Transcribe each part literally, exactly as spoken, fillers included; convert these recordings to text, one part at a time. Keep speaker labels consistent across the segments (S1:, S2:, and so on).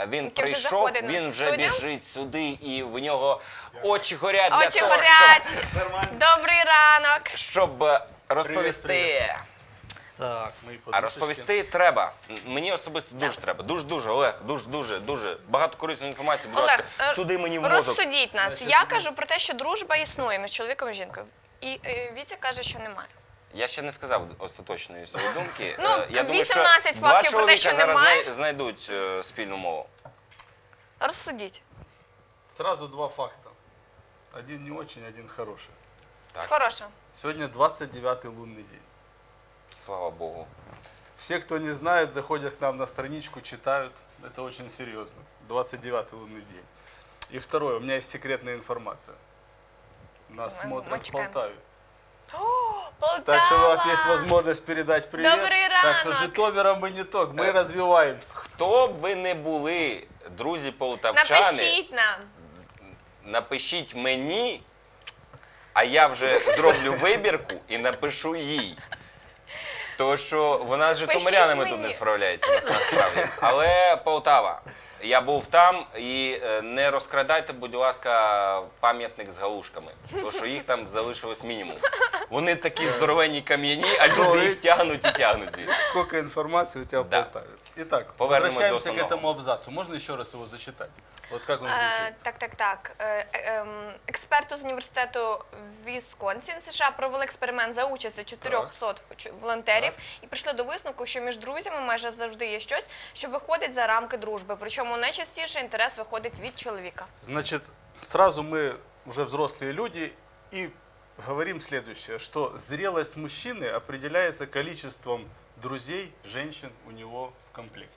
S1: Він
S2: Який вже
S1: прийшов,
S2: заходить на
S1: він вже
S2: студію.
S1: біжить сюди, і в нього очі горять для
S2: Очі
S1: того,
S2: горять. Добрий ранок.
S1: щоб, щоб е, розповісти.
S3: Привіт, Так, мої
S1: А
S3: подушечки.
S1: розповісти треба. М- Мені особисто дуже треба. Дуже-дуже, Олег, дуже-дуже, дуже. Багато корисної інформації, будь
S2: Олег,
S1: ласка,
S2: е,
S1: суди мені в мозок.
S2: розсудіть нас. Я кажу про те, що дружба існує між чоловіком і жінкою. І е, Вітя каже, що немає.
S1: Я ще не сказав остаточної своєї думки.
S2: Ну,
S1: Е, Я думаю, що
S2: вісімнадцять
S1: два
S2: фактів про те,
S1: чоловіка
S2: що
S1: зараз
S2: немає.
S1: знай- знайдуть е, спільну мову.
S2: Розсудіть.
S3: Сразу два факта. Один не очень, один хороший.
S1: Так.
S2: Хороше.
S3: Сегодня двадцать девятый лунный день.
S1: Слава Богу.
S3: Все, кто не знает, заходят к нам на страничку, читают. Это очень серьезно. двадцать девятый лунный день. И второе, у меня есть секретная информация. Нас
S2: Мы-
S3: смотрят
S2: мы
S3: в
S2: чекаем.
S3: Полтаве.
S2: О, Полтава!
S3: Так что у вас есть возможность передать привет.
S2: Добрый
S3: Так что
S2: ранок.
S3: Житомиром мы не только, мы
S1: Э.
S3: развиваемся.
S1: Хто б ви не були, друзі полтавчани,
S2: Напишіть нам.
S1: напишіть мені, а я вже зроблю вибірку і напишу їй. Тому що вона з житомирянами тут
S2: мені.
S1: не справляється насправді. Але Полтава. Я був там і е, не розкрадайте, будь ласка, пам'ятник з галушками. Тому що їх там залишилось мінімум. Вони такі здоровенні кам'яні, а люди їх тягнуть і тягнуть звідси.
S3: Сколько информации у тебя
S1: Да.
S3: в Полтаве. Итак,
S1: Повернемось
S3: возвращаемся
S1: до
S3: к
S1: основного.
S3: этому абзацу. Можно еще раз его зачитать? Вот как он
S2: Е,
S3: звучит?
S2: так, так, так. Е, е, ем, Експерти з університету Вісконсін США провели експеримент за участю чотирьохсот волонтерів
S3: Так.
S2: і прийшли до висновку, що між друзями майже завжди є щось, що виходить за рамки дружби. Причому найчастіше інтерес виходить від чоловіка.
S3: Значит, сразу мы уже взрослые люди и говорим следующее, что зрелость мужчины определяется количеством друзей, женщин у него в комплекте.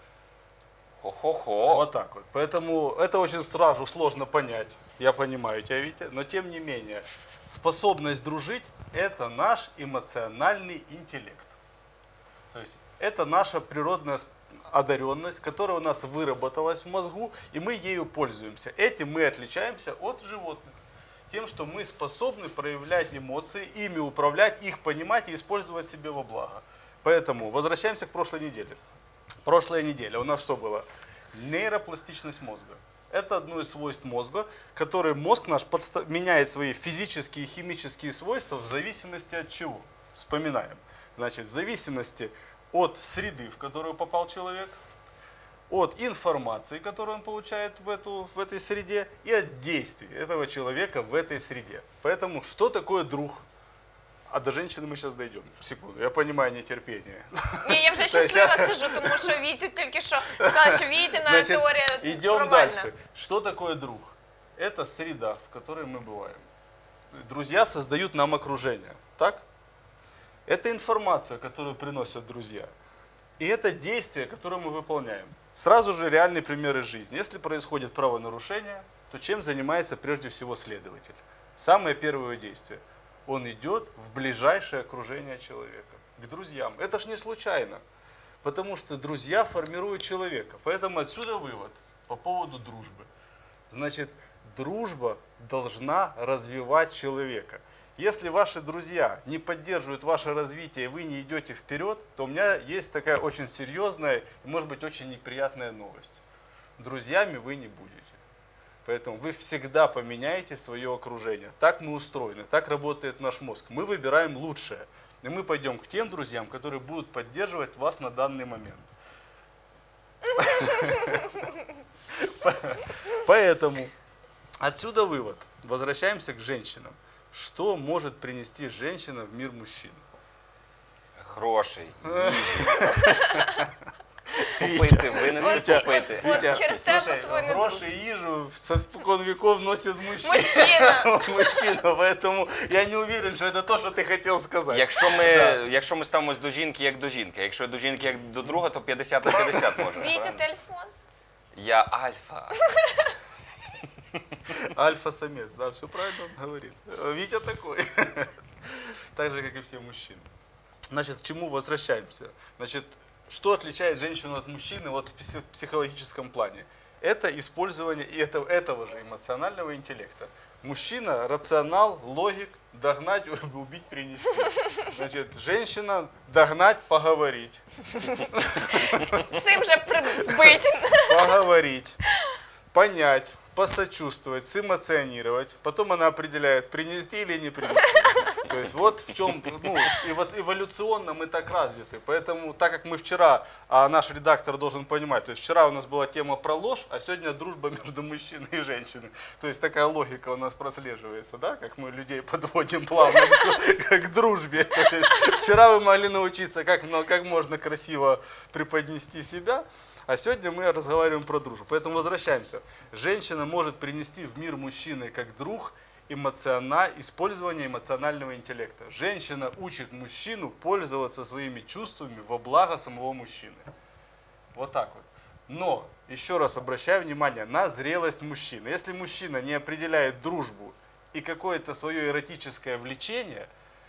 S1: Хо-хо-хо.
S3: Вот так вот. Поэтому это очень сразу сложно понять. Я понимаю тебя, Витя. Но тем не менее, способность дружить – это наш эмоциональный интеллект. То есть это наша природная сп- одаренность, которая у нас выработалась в мозгу, и мы ею пользуемся. Этим мы отличаемся от животных. Тем, что мы способны проявлять эмоции, ими управлять, их понимать и использовать себе во благо. Поэтому возвращаемся к прошлой неделе. Прошлая неделя у нас что было? Нейропластичность мозга. Это одно из свойств мозга, который мозг наш подста- меняет свои физические и химические свойства в зависимости от чего? Вспоминаем. Значит, в зависимости от среды, в которую попал человек, от информации, которую он получает в, эту, в этой среде, и от действий этого человека в этой среде. Поэтому что такое друг? А до женщины мы сейчас дойдем. Секунду, я понимаю нетерпение.
S2: Ні, я вже
S3: То есть
S2: щаслива сижу, тому що Вітю тільки що сказала, що Вітіна
S3: Значит,
S2: теорія
S3: идем
S2: провальна.
S3: дальше. Что такое друг? Это среда, в которой мы бываем. Друзья создают нам окружение. Так? Это информация, которую приносят друзья. И это действие, которое мы выполняем. Сразу же реальный пример из жизни. Если происходит правонарушение, то чем занимается прежде всего следователь? Самое первое действие. Он идет в ближайшее окружение человека, к друзьям. Это ж не случайно, потому что друзья формируют человека. Поэтому отсюда вывод по поводу дружбы. Значит, дружба должна развивать человека. Если ваши друзья не поддерживают ваше развитие, и вы не идете вперед, то у меня есть такая очень серьезная и, может быть, очень неприятная новость. Друзьями вы не будете. Поэтому вы всегда поменяете свое окружение. Так мы устроены, так работает наш мозг. Мы выбираем лучшее. И мы пойдем к тем друзьям, которые будут поддерживать вас на данный момент. Поэтому отсюда вывод. Возвращаемся к женщинам. Что может принести женщина в мир мужчин?
S1: Грошей, їжі. Купити, винести,
S3: Витя,
S1: купити.
S2: От
S3: Витя,
S2: через тебе
S3: слушай,
S2: твой не
S3: гроши и ежу со спокон веков носит мужчина.
S2: Мужчина.
S3: Мужчина, поэтому я не уверен, что это то, что ты хотел сказать.
S1: Якщо ми,
S3: Да.
S1: якщо ми ставимось до жінки як до жінки, а якщо до жінки як до друга, то п'ятдесят на п'ятдесят може.
S2: Вітя,
S1: правильно?
S2: ти Альфонс?
S1: Я альфа.
S3: Альфа-самец, да, все правильно он говорит. Витя такой. Так же, как и все мужчины. Значит, к чему возвращаемся? Значит, что отличает женщину от мужчины вот в пси- психологическом плане? Это использование и это, этого же эмоционального интеллекта. Мужчина, рационал, логик, догнать, убить, принести. Значит, женщина, догнать, поговорить.
S2: Цим же прибить.
S3: Поговорить, понять, посочувствовать, сэмоционировать. Потом она определяет, принести или не принести. То есть вот в чем, ну, и вот эволюционно мы так развиты. Поэтому, так как мы вчера, а наш редактор должен понимать, то есть вчера у нас была тема про ложь, а сегодня дружба между мужчиной и женщиной. То есть такая логика у нас прослеживается, да, как мы людей подводим плавно к, к дружбе. То есть вчера вы могли научиться, как, ну, как можно красиво преподнести себя. А сегодня мы разговариваем про дружбу. Поэтому возвращаемся. Женщина может принести в мир мужчины как друг эмоциона... использование эмоционального интеллекта. Женщина учит мужчину пользоваться своими чувствами во благо самого мужчины. Вот так вот. Но, еще раз обращаю внимание на зрелость мужчины. Если мужчина не определяет дружбу и какое-то свое эротическое влечение,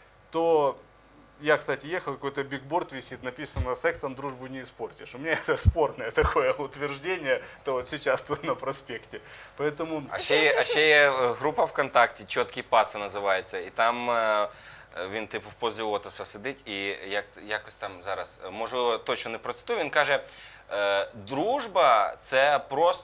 S3: то... Я, кстати, ехал, какой-то бигборд висит, написано «Сексом дружбу не испортишь». У меня это спорное такое утверждение, то вот сейчас тут на проспекте. Поэтому...
S1: А ще, є, а ще є е, група ВКонтакті, «Чіткий паца» називається, і там е, він типу в позі лотоса сидить і як, якось там зараз, е, можливо, точно не процитую, він каже, е, дружба – це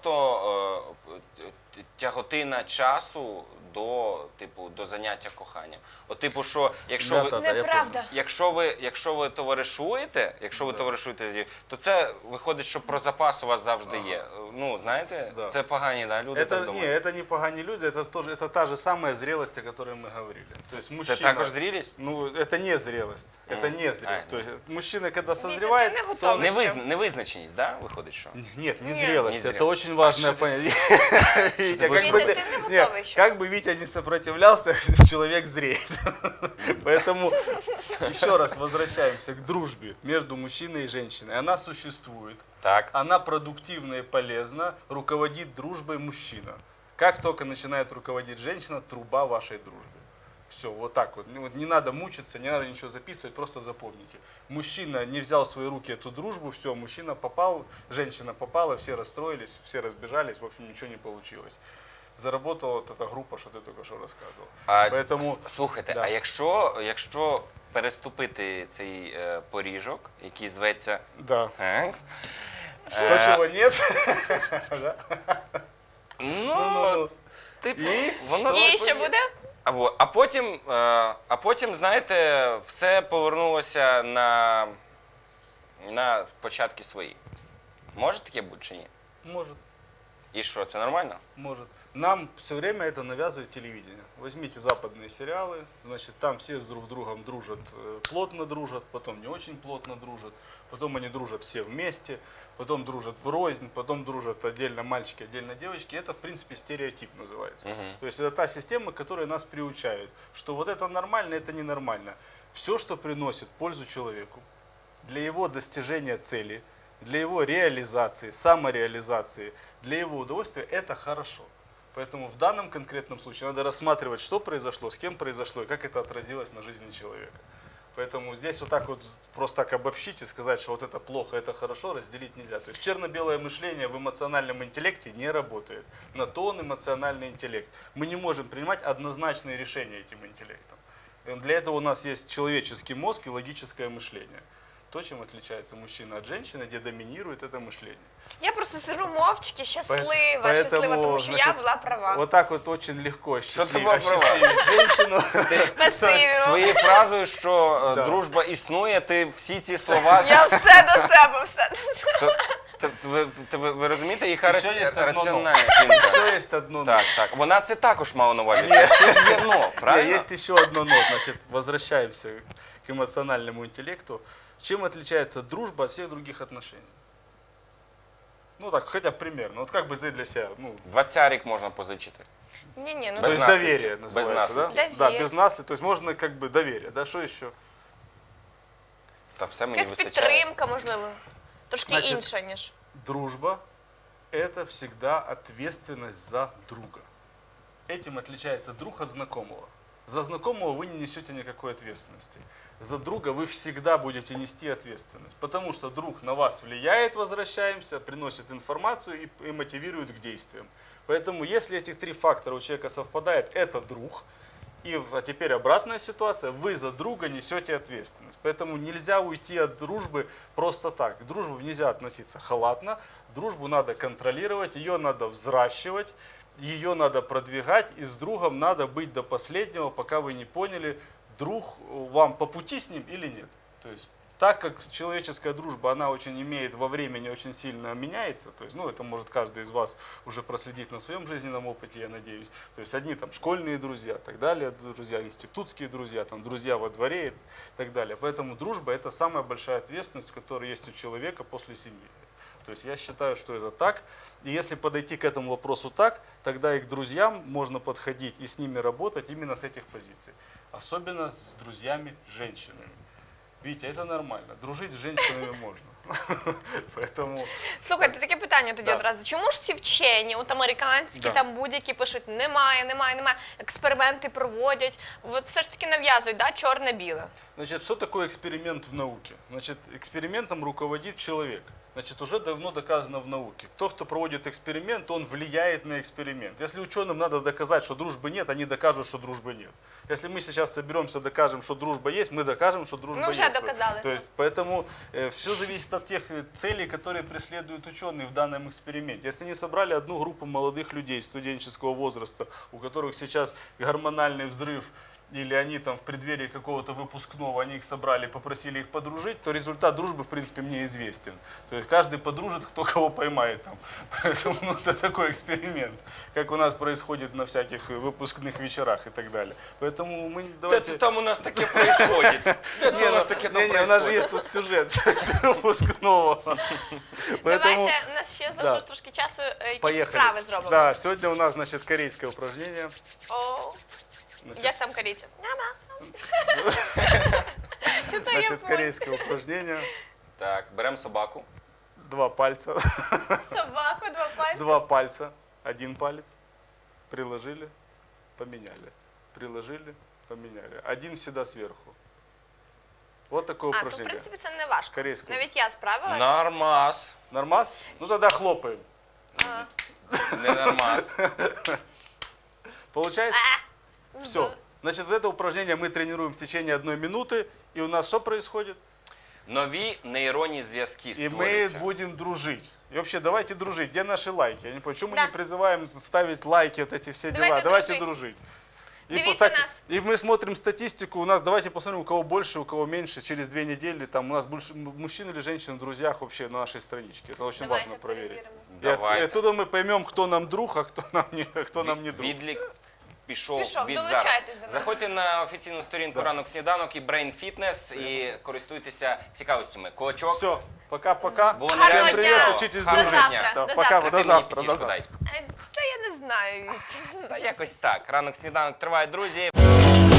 S1: просто е, тяготина часу до, типу, до заняття коханням. От, типу, що якщо
S3: Да,
S1: ви...
S3: та, та, я
S2: Неправда.
S1: Якщо ви, якщо ви товаришуєте, якщо ви товаришуєте, то це виходить, що про запас у вас завжди є. Ну, знаєте,
S3: Да.
S1: це погані, да, люди так
S3: Это, не,
S1: думають.
S3: это не погані люди, это, тоже, это та же самая зрелость, о которой мы говорили. То есть
S1: Це
S3: мужчина,
S1: також зрілість?
S3: Ну, это не зрелость, это
S1: Мгм.
S3: не зрелость.
S1: А,
S3: То есть мужчина, когда
S2: Витя,
S3: созревает,
S2: ты не
S3: то
S2: готовый.
S3: он...
S1: Невизна, невизначеність, да, виходить, що?
S3: Нет, не
S2: Нет.
S3: зрелость,
S1: Не
S3: это
S1: зрелость.
S3: очень важное
S1: А что
S3: понятие. Витя,
S1: ты
S3: как
S1: будешь-
S3: бы
S2: Витя,
S3: ты-
S2: ты не
S3: не,
S2: готовый еще.
S3: как бы Витя не сопротивлялся, человек зреет. Поэтому еще раз возвращаемся к дружбе между мужчиной и женщиной. Она существует.
S1: Так.
S3: Она продуктивна и полезна, руководит дружбой мужчина. Как только начинает руководить женщина, труба вашей дружбы. Все, вот так вот. Ну, вот не надо мучиться, не надо ничего записывать, просто запомните. Мужчина не взял в свои руки эту дружбу, все, мужчина попал, женщина попала, все расстроились, все разбежались, в общем, ничего не получилось. Заработала вот эта группа, что ты только что рассказывал.
S1: А,
S3: Поэтому,
S1: с- слухайте,
S3: да.
S1: а якщо, якщо переступити цей е, поріжок, який зветься
S3: да.
S1: Хенкс,
S3: То, чего нет.
S1: ну,
S3: Ну-ну-ну.
S1: типу,
S3: І?
S1: воно...
S2: І що буде?
S1: А, во- а потім, е, а потім, знаєте, все повернулося на, на початки свої. Може таке бути чи ні?
S3: Может.
S1: І що, це нормально?
S3: Может. Нам все время это навязывает телевидение. Возьмите западные сериалы, значит, там все с друг другом дружат, э, плотно дружат, потом не очень плотно дружат, потом они дружат все вместе, потом дружат врознь, потом дружат отдельно мальчики, отдельно девочки. Это, в принципе, стереотип называется.
S1: Мгм.
S3: То есть это та система, которая нас приучает, что вот это нормально, это ненормально. Все, что приносит пользу человеку, для его достижения цели, для его реализации, самореализации, для его удовольствия, это хорошо. Поэтому в данном конкретном случае надо рассматривать, что произошло, с кем произошло и как это отразилось на жизни человека. Поэтому здесь вот так вот просто так обобщить и сказать, что вот это плохо, это хорошо, разделить нельзя. То есть черно-белое мышление в эмоциональном интеллекте не работает. На то он эмоциональный интеллект. Мы не можем принимать однозначные решения этим интеллектом. И для этого у нас есть человеческий мозг и логическое мышление. То, чем отличается мужчина от женщины, где доминирует это мышление.
S2: Я просто сижу мовчки, щаслива,
S3: Поэтому,
S2: щаслива, тому що я
S3: значит,
S2: була права.
S3: Вот так вот очень легко
S1: ты
S3: счастлив-
S1: была права?
S3: осчастливить женщину.
S1: Ти своєю фразою, що е,
S3: Да.
S1: дружба існує, ти всі ці слова...
S2: Я все до себе, все до себе.
S1: То- то- то ви, то ви, ви розумієте, яка
S3: Ще є
S1: раці-
S3: одно «но».
S1: раціональна жінка?
S3: Все есть одно
S1: Так, так. Вона це також мала на увазі. Це ще ж є но,
S3: «но».
S1: правильно?
S3: Есть еще одно «но». Значит, возвращаемся к эмоциональному интеллекту. Чем отличается дружба от всех других отношений? Ну так, хотя бы примерно. Вот как бы ты для себя, ну,
S1: Двадцярик можна позичити.
S2: Ні, ні, ну
S3: то
S1: Без
S3: есть
S1: наследки.
S3: доверие
S1: Без
S3: называется, да?
S2: наследки.
S3: Да,
S2: Доверие.
S3: без наследия. То есть можно как бы доверие, да? Что еще?
S1: Та все мені
S2: якась
S1: вистачає.
S2: підтримка, можливо. Трошки
S3: Значить,
S2: інша, ніж.
S3: Дружба – это всегда ответственность за друга. Этим отличается друг от знакомого. За знакомого вы не несете никакой ответственности. За друга вы всегда будете нести ответственность. Потому что друг на вас влияет, возвращаемся, приносит информацию и, и мотивирует к действиям. Поэтому если этих три фактора у человека совпадают, это друг. И а теперь обратная ситуация, вы за друга несете ответственность. Поэтому нельзя уйти от дружбы просто так. К дружбе нельзя относиться халатно, дружбу надо контролировать, ее надо взращивать, ее надо продвигать, и с другом надо быть до последнего, пока вы не поняли, друг вам по пути с ним или нет. То есть так как человеческая дружба, она очень имеет во времени, очень сильно меняется, то есть, ну, это может каждый из вас уже проследить на своем жизненном опыте, я надеюсь. То есть одни там школьные друзья, так далее, друзья институтские друзья, там друзья во дворе и так далее. Поэтому дружба – это самая большая ответственность, которая есть у человека после семьи. То есть я считаю, что это так. И если подойти к этому вопросу так, тогда и к друзьям можно подходить и с ними работать именно с этих позиций. Особенно с друзьями-женщинами. Видите, это нормально. Дружить з жінками можна. Поэтому...
S2: Слухайте, таке питання тоді
S3: Да.
S2: одразу. Чому ж ці вчені, от американські,
S3: Да.
S2: там будь-які пишуть, немає, немає, немає, експерименти проводять, от все ж таки нав'язують, да, чорне-біле.
S3: Значит, что такое эксперимент в науке? Значит, экспериментом руководит человек. Значит, уже давно доказано в науке. Кто, кто проводит эксперимент, он влияет на эксперимент. Если ученым надо доказать, что дружбы нет, они докажут, что дружбы нет. Если мы сейчас соберемся, докажем, что дружба есть, мы докажем, что дружба
S2: Мы уже
S3: есть.
S2: доказали
S3: То
S2: это.
S3: есть, поэтому э, все зависит от тех э, целей, которые преследуют ученые в данном эксперименте. Если они собрали одну группу молодых людей студенческого возраста, у которых сейчас гормональный взрыв, или они там в преддверии какого-то выпускного, они их собрали, попросили их подружить, то результат дружбы, в принципе, мне известен. То есть каждый подружит, кто кого поймает там. Поэтому ну, это такой эксперимент, как у нас происходит на всяких выпускных вечерах и так далее. Поэтому мы
S1: Де
S3: давайте...
S1: це там у нас таке происходит? Де це у нас таке там
S3: не, не, у нас же
S1: происходит?
S3: есть тут сюжет с выпускного. Поэтому
S2: Давайте, у нас ще
S3: да.
S2: залишилось трошки часу, е, якісь
S3: поехали.
S2: справи зробимо.
S3: Да, сегодня у нас, значит, корейское упражнение.
S2: О,
S3: Значит,
S2: як там корейці? Няма. Що це
S3: значит,
S2: японці?
S3: корейское упражнение.
S1: Так, беремо собаку.
S3: Два пальца.
S2: Собаку, два пальці.
S3: Два пальца. Один палец. Приложили, поменяли. Приложили, поменяли. Один всегда сверху. Вот такое
S2: А, то в
S3: упражнение.
S2: принципі це не важко.
S3: Корейською.
S2: Навіть я справилась.
S1: Нормас.
S3: Нормас? Ну тогда хлопаем.
S2: А.
S1: Не нормас.
S3: Получается?
S2: А,
S3: Все. Значит, вот это упражнение мы тренируем в течение одной минуты. И у нас что происходит?
S1: Нові нейронні зв'язки
S3: И мы
S1: створюються.
S3: будем дружить. И вообще, давайте дружить. Где наши лайки? Я не понимаю, почему мы
S2: Да.
S3: не призываем ставить лайки, вот эти все дела?
S2: Давайте
S3: Давайте
S2: дружить.
S3: дружить. И,
S2: Дивіться
S3: кстати,
S2: нас.
S3: и мы смотрим статистику, у нас, давайте посмотрим, у кого больше, у кого меньше, через две недели, там у нас больше м- мужчин или женщин в друзьях вообще на нашей страничке. Это очень
S2: Давайте
S3: важно проверить.
S2: перевіримо.
S3: И от-
S1: Давайте.
S3: и оттуда мы поймем, кто нам друг, а кто нам не, кто нам не друг.
S1: Відлік пішов,
S2: Пішов,
S1: від зараз.
S2: долучайтесь до нас.
S1: Заходьте на офіційну сторінку
S3: Да.
S1: «Ранок сніданок» і Brain Fitness і користуйтеся цікавостями. Кулачок.
S3: Все, пока-пока.
S1: Було
S3: Всем
S1: нереально
S3: привет,
S1: цікаво.
S3: учитесь
S1: Гарного
S3: дружить.
S1: дня.
S2: До
S3: Да,
S2: завтра.
S3: пока,
S2: А
S1: А ти
S3: до
S1: мені
S3: завтра, до
S1: п'ятішку
S3: завтра.
S1: дай.
S2: Е, Та я не знаю. Вітя.
S1: Та якось так. Ранок сніданок триває, друзі.